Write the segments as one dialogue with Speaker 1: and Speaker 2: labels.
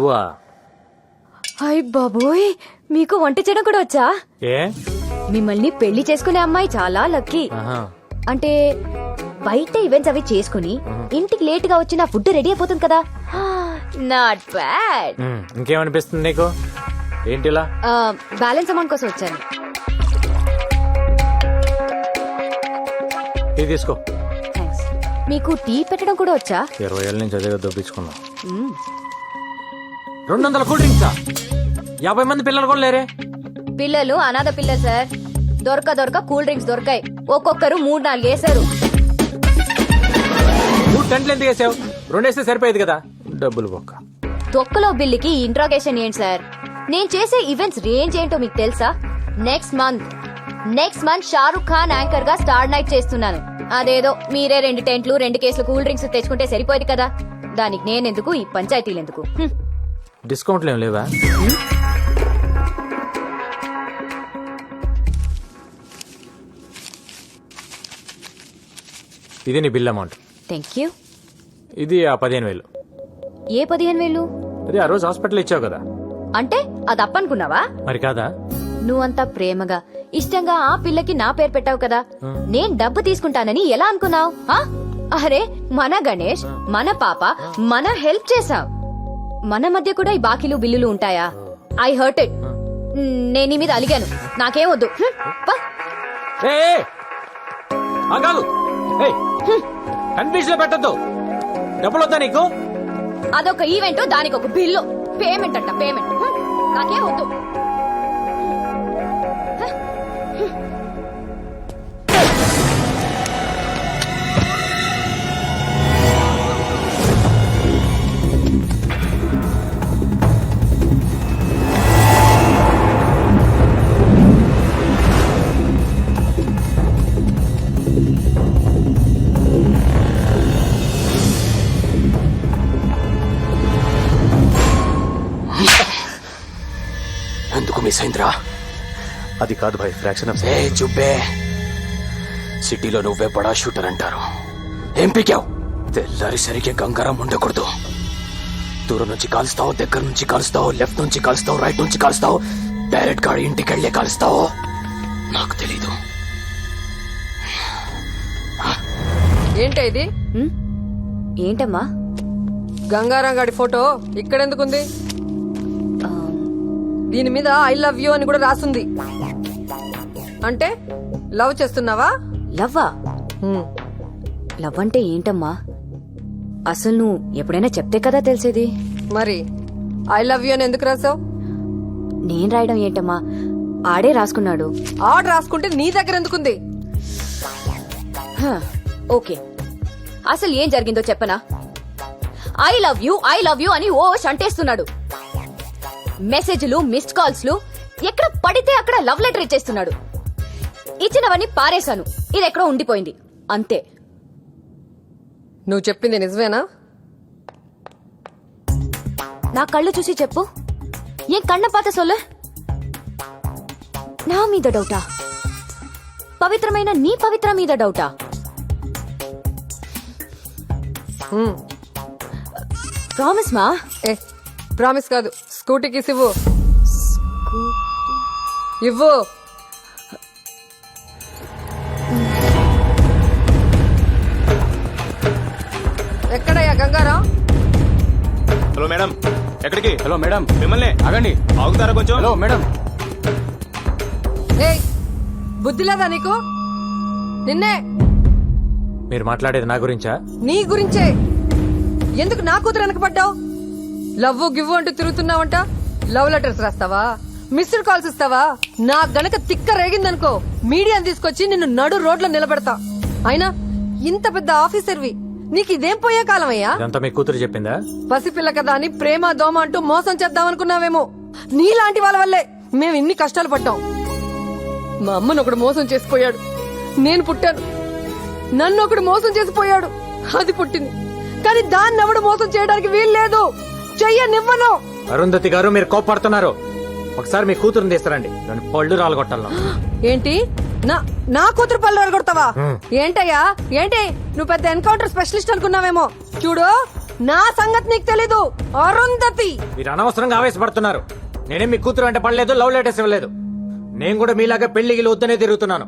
Speaker 1: నువ్వా?
Speaker 2: హాయ్ బాబోయ్, మీకు వంట చేయడం కూడా వచ్చా?
Speaker 1: ఏ
Speaker 2: మిమ్మల్ని పెళ్లి చేసుకునే అమ్మాయి చాలా లక్కీ.
Speaker 1: ఆహా.
Speaker 2: అంటే బయట ఈవెంట్స్ అవి చేసుకుని ఇంటికి లేట్ గా వచ్చి నా ఫుడ్ రెడీ అయిపోతుంది కదా. Not bad.
Speaker 1: ఇంకేమనిపిస్తుంది నీకు? ఏంటిలా?
Speaker 2: బ్యాలెన్స్ అమౌంట్ కోసం వచ్చాను.
Speaker 1: టీ తీసుకో.
Speaker 2: థ్యాంక్స్. మీకు టీ పెట్టడం కూడా వచ్చా?
Speaker 1: 20 ఏళ్ళ నుంచి అదే దొబ్బించుకున్నా. 200 కూల్ డ్రింక్సా? 50 మంది పిల్లలు కూడా లేరే?
Speaker 2: పిల్లలు అనాథ పిల్లలు సార్. దొరక కూల్ డ్రింక్స్ దొరకాయి. ఒక్కొక్కరు 3-4 వేశారు.
Speaker 1: నువ్వు టెంట్లు ఎందుకు వేసావు? 2 వేస్తే సరిపోయేది కదా. డబ్బులు బొక్క.
Speaker 2: తొక్కలో బిల్లుకి ఇంట్రాగేషన్ ఏంటి సార్? నేను చేసే ఈవెంట్స్ రేంజ్ ఏంటో మీకు తెలుసా? Next month Shahrukh Khan anchor గా స్టార్ నైట్ చేస్తున్నాను. అదేదో మీరే 2 టెంట్లు 2 కేసులు కూల్ డ్రింక్స్ తెచ్చుకుంటే సరిపోయేది కదా. దానికి నేనెందుకు, ఈ పంచాయతీలు ఎందుకు?
Speaker 1: డిస్కౌంట్లు ఏం లేవా? ఇది నీ బిల్ అమౌంట్.
Speaker 2: Thank you.
Speaker 1: ఇది ఆ 15,000.
Speaker 2: ఏ 15,000?
Speaker 1: అది ఆ రోజు హాస్పిటల్ ఇచ్చావు కదా.
Speaker 2: అంటే అది అప్పనుకున్నావా?
Speaker 1: మరి కాదా?
Speaker 2: నువ్వంతా ప్రేమగా ఇష్టంగా ఆ పిల్లకి నా పేరు పెట్టావు కదా. నేను డబ్బు తీసుకుంటానని ఎలా అనుకున్నావు? అరే మన గణేష్, మన పాప, మన హెల్ప్ చేసాం. మన మధ్య కూడా ఈ బాకీలు బిల్లులు ఉంటాయా? I hurt it. నేను నీ మీద అలిగాను. నాకేం వద్దు.
Speaker 1: కన్ఫ్యూజ్ లో పెట్టద్దు. డబ్బులు వద్దా నీకు?
Speaker 2: అదొక ఈవెంట్, దానికి ఒక బిల్లు. పేమెంట్ అంట పేమెంట్. నాకేం వద్దు.
Speaker 3: ఎందుకు మిస్ అయిందిరా?
Speaker 1: అది కాదు భాయ్, ఫ్రాక్షన్ ఆఫ్
Speaker 3: ఏ చుబ్బే, సిటీలో నువ్వే బడా షూటర్ అంటారు. ఏం పీకావు? తెల్లారి సరిగ్గా గంగారం ఉండకూడదు. దూరం నుంచి కాలుస్తావు, దగ్గర నుంచి కాలుస్తావు, లెఫ్ట్ నుంచి కాలుస్తావు, రైట్ నుంచి కాలుస్తావు, డైరెక్ట్ గా ఇంటికి వెళ్లే కాలుస్తావు. నాకు తెలీదు.
Speaker 4: ఏంటా ఇది?
Speaker 2: ఏంటమ్మా?
Speaker 4: గంగారాం గాడి ఫోటో ఇక్కడెందుకుంది? దీని మీద ఐ లవ్ యూ అని కూడా రాసుంది. అంటే లవ్ చేస్తున్నావా?
Speaker 2: లవ్వా? లవ్ అంటే ఏంటమ్మా? అసలు నువ్వు ఎప్పుడైనా చెప్తే కదా తెలిసేది.
Speaker 4: మరి ఐ లవ్ యూ అని ఎందుకు రాసావు?
Speaker 2: నేను రాయడం ఏంటమ్మా, ఆడే రాసుకున్నాడు.
Speaker 4: ఆర్డర్ రాసుకుంటే నీ దగ్గర ఎందుకుంది?
Speaker 2: ఓకే, అసలు ఏం జరిగిందో చెప్పనా? ఐ లవ్ యూ అని ఓ అంటేస్తున్నాడు. మెసేజ్లు, మిస్డ్ కాల్స్లు, ఎక్కడ పడితే అక్కడ లవ్ లెటర్ ఇచ్చేస్తున్నాడు. ఇచ్చినవన్నీ పారేశాను. ఇది ఎక్కడో ఉండిపోయింది అంతే.
Speaker 4: నువ్వు చెప్పింది నిజమేనా?
Speaker 2: నా కళ్ళు చూసి చెప్పు. ఏం కన్న పాత సొల్ల? నా మీద డౌటా? పవిత్రమైన నీ పవిత్ర మీద డౌటా? ప్రామిస్ మా?
Speaker 4: ఏ ప్రామిస్ కాదు, స్కూటీకి ఇవ్వు. ఇవ్వు. ఎక్కడయ్యా గంగారాం?
Speaker 5: హలో మేడం, ఎక్కడికి?
Speaker 1: హలో మేడం,
Speaker 5: మిమ్మల్ని
Speaker 1: ఆగండి.
Speaker 5: ఆగుతారా కొంచెం?
Speaker 1: Hello madam.
Speaker 4: ఏయ్, బుద్ధి లేదా నీకు? నిన్నే.
Speaker 1: మీరు మాట్లాడేది నా గురించా?
Speaker 4: నీ గురించే. ఎందుకు నా కూతురు వెనకపడ్డావు? లవ్వు గివ్వు అంటూ తిరుగుతున్నావంట. లవ్ లెటర్స్ రాస్తావా? మిస్డ్ కాల్స్ ఇస్తావా? నా గనక తిక్క రేగిందనుకో, మీడియాని తీసుకొచ్చి నిన్ను నడు రోడ్లో నిలబెడతా. అయినా ఇంత పెద్ద ఆఫీసర్వి, నీకు ఇదేం పోయే కాలం అయ్యా?
Speaker 1: ఇదంతా మీ కూతురు చెప్పిందా?
Speaker 4: పసిపిల్ల కదా అని ప్రేమ దోమ అంటూ మోసం చేద్దామనుకున్నావేమో. నీలాంటి వాళ్ళ వల్లే మేము ఇన్ని కష్టాలు పడ్డాం. మా అమ్మను ఒకడు మోసం చేసిపోయాడు. నేను పుట్టాను. నన్ను ఒకడు మోసం చేసిపోయాడు. అది పుట్టింది. కానీ దాన్ని ఎవడు మోసం చేయడానికి వీలు లేదు. చెయ్యనివ్వను.
Speaker 1: అరుంధతి గారు, మీరు కోపడుతున్నారు. ఒకసారి మీ కూతురుని తీస్తారండి, దాని పళ్ళు రాలగొట్టాలను.
Speaker 4: ఏంటి? నా కూతురు పళ్ళు రాలగొడతావా? ఏంటయ్యా ఏంటి? నువ్వు పెద్ద ఎన్కౌంటర్ స్పెషలిస్ట్ అనుకున్నావేమో. చూడు, నా సంగతి నీకు తెలీదు. అరుంధతి
Speaker 1: మీరు అనవసరంగా ఆవేశపడుతున్నారు. నేనేం మీ కూతురు వెంట పడలేదు, లవ్ లెటర్స్ ఇవ్వలేదు. నేను కూడా మీలాగా పెళ్లికి వద్దనే తిరుగుతున్నాను.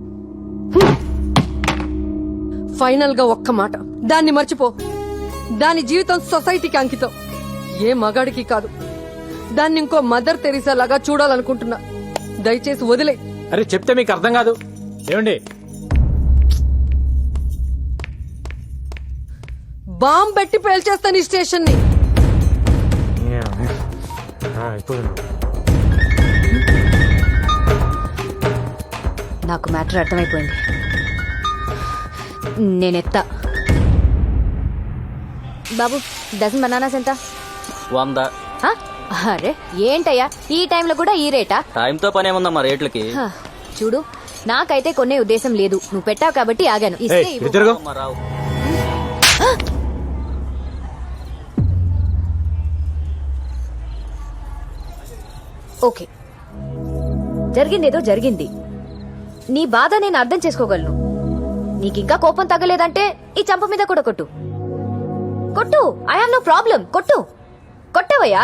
Speaker 4: ఫైనల్ గా ఒక్క మాట, దాన్ని మర్చిపో. దాని జీవితం సొసైటీకి అంకితం, ఏ మగాడికి కాదు. దాన్ని ఇంకో మదర్ తెరీసా లాగా చూడాలనుకుంటున్నా. దయచేసి వదిలే.
Speaker 1: అరే చెప్తే మీకు అర్థం కాదు. ఏమండి
Speaker 4: బాంబ్ పెట్టి పేల్చేస్తాను ఈ స్టేషన్ ని.
Speaker 2: నాకు మ్యాటర్ అర్థమైపోయింది. నేనెత్తా. బాబు, డజన్ బనానాస్ ఎంత?
Speaker 6: 100.
Speaker 2: హ? అరే ఏంటయ్యా ఈ టైంలో కూడా ఈ రేటా?
Speaker 6: టైంతో పని ఏముందమ్మా రేట్లకి?
Speaker 2: హ, చూడు, నాకైతే కొనే ఉద్దేశం లేదు. నువ్వు పెట్టావు కాబట్టి ఆగాను. ఇస్తే
Speaker 1: ఏయ్,
Speaker 2: ఇవ్వు.
Speaker 1: ఇటు తిరుగు.
Speaker 6: అమ్మా, రావు.
Speaker 2: ఓకే, జరిగిందేదో జరిగింది. నీ బాధ నేను అర్థం చేసుకోగలను. నీకింకా కోపం తగ్గలేదంటే ఈ చంప మీద కూడా కొట్టు. కొట్టు, ఐ హావ్ నో ప్రాబ్లం. కొట్టు. కొట్టవయ్యా.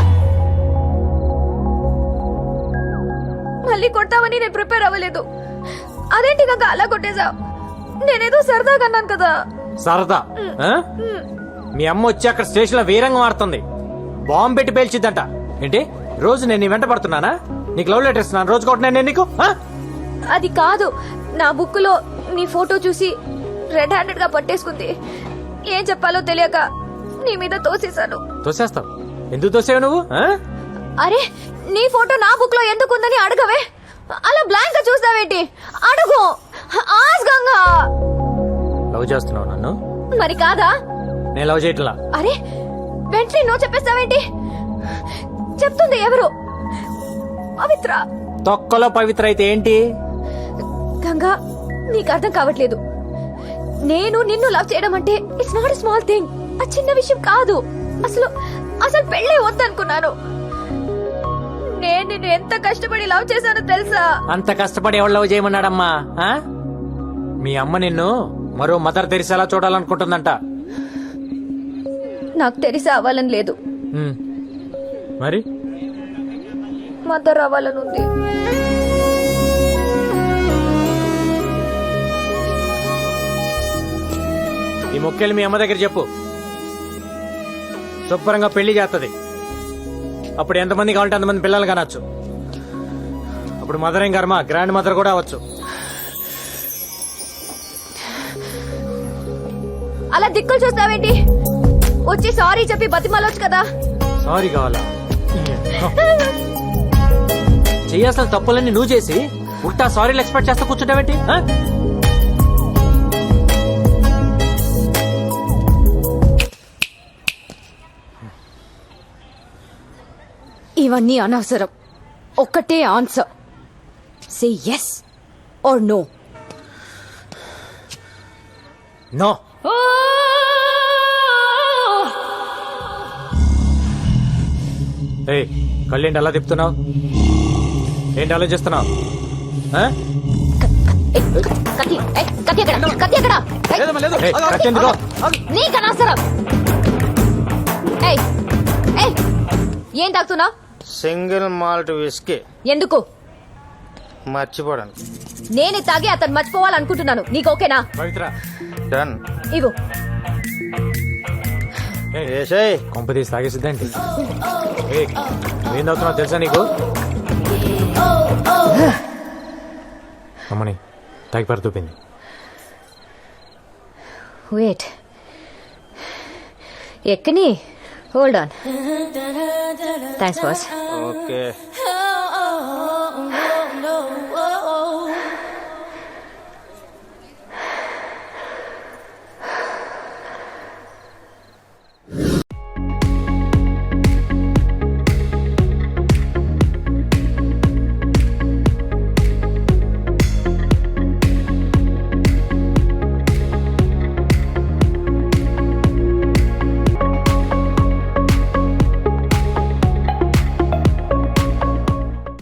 Speaker 2: మళ్ళీ కొట్టావని నేను ప్రిపేర్ అవ్వలేదు. అదేంటి కాక అలా కొట్టేశావు? నేనేదో సరదాగా అన్నాను కదా.
Speaker 1: సరదా? ఆ? మీ అమ్మ వచ్చి అక్కడ స్టేషన్ లో వీరంగం ఆడుతుంది. బాంబు పెట్టి పేల్చిద్దంట. ఏంటి రోజు నేను నీ వెంట పడుతున్నానా? నీకు లవ్ లెటర్ ఇస్తున్నాను, రోజు కొట్టినా నేను నీకు? ఆ?
Speaker 2: అది కాదు, నా బుక్ లో నీ ఫోటో చూసి రెడ్ హ్యాండెడ్ గా పట్టేసుకుంది. ఏం చెప్పాలో తెలియక నీ మీద తోసేశాను.
Speaker 1: తోసేస్తావు? ఎందుకు తోసేవు నువ్వు? ఆ?
Speaker 2: అరే, నీ ఫోటో నా బుక్ లో ఎందుకుందని అడగవే. అలా బ్లాంక్ గా చూస్తావేంటి? అడుగు. ఆస్గంగా.
Speaker 1: లవ్ చేస్తున్నావు నన్ను?
Speaker 2: మరి కాదా?
Speaker 1: నేను లవ్ చేయట్లా.
Speaker 2: అరే, వెంటనే నువ్వు చెప్పేస్తావేంటి? చెప్తుంది ఎవరు? పవిత్ర.
Speaker 1: తొక్కలో పవిత్ర అయితే ఏంటి?
Speaker 2: గంగా, నీకు అర్థం కావట్లేదు. నేను నిన్ను లవ్ చేయడం అంటే ఇట్స్ నాట్ స్మాల్ థింగ్. ఆ చిన్న విషయం కాదు. అసలు అసలు పెళ్ళే వద్దనుకున్నాను. నేను నిన్ను ఎంత కష్టపడి లవ్ చేశానో తెలుసా?
Speaker 1: అంత కష్టపడి ఎవరు లవ్ చేయమన్నాడమ్మా? ఆ? మీ అమ్మ నిన్ను మరో మదర్ తెరిసేలా చూడాలనుకుంటుందంట.
Speaker 2: నాకు తెలిసి అవ్వాలని లేదు,
Speaker 1: ఉమ్. మరి
Speaker 2: మదర్ అవ్వాలని ఉంది.
Speaker 1: ఈ మొక్కేలు మీ అమ్మ దగ్గర చెప్పు. శుభ్రంగా పెళ్లి చేస్తుంది. అప్పుడు ఎంతమంది కావాలంటే అంతమంది పిల్లలు కనొచ్చు. అప్పుడు మదర్ ఏం కర్మ, గ్రాండ్ మదర్ కూడా అవ్వచ్చు.
Speaker 2: అలా దిక్కులు చూస్తావేంటి? వచ్చి సారీ చెప్పి బతిమాలొచ్చు కదా.
Speaker 1: సారీ కావాలా? చెయ్యాల్సిన తప్పులన్నీ నువ్వు చేసి ఉల్టా సారీలు ఎక్స్పెక్ట్ చేస్తా కూర్చుంటావేంటి? ఆ?
Speaker 2: ఇవన్నీ అనవసరం. ఒక్కటే answer. Say yes or no.
Speaker 1: No. ఏయ్, కళ్ళేంటి అలా తిప్పుతున్నావు? ఏంటి ఆలోచిస్తున్నావు? ఆ?
Speaker 2: కత్తి, ఏయ్, కత్తి ఎక్కడ? కత్తి ఎక్కడ? ఏయ్,
Speaker 1: ఏయ్, కత్తి ఎందుకో?
Speaker 2: నీకు అనవసరం. ఏయ్, ఏయ్, ఏం తాగుతున్నావు?
Speaker 7: Single malt whisky.
Speaker 2: ఎందుకు?
Speaker 7: మర్చిపోవడానికి.
Speaker 2: నేనే తాగి అతను మర్చిపోవాలనుకుంటున్నాను. నీకు ఓకేనా?
Speaker 1: పవిత్ర,
Speaker 7: డన్.
Speaker 2: ఇవ్వు.
Speaker 7: ఏసేయ్.
Speaker 1: కొంప తీసి తాగేసిద్దేంటి? ఏయ్, ఏం తాగుతున్నావు తెలుసా నీకు? అమ్మని తాగి పరుతూపింది.
Speaker 2: వెయిట్, ఎక్కని. Hold on. Thanks boss.
Speaker 7: Okay.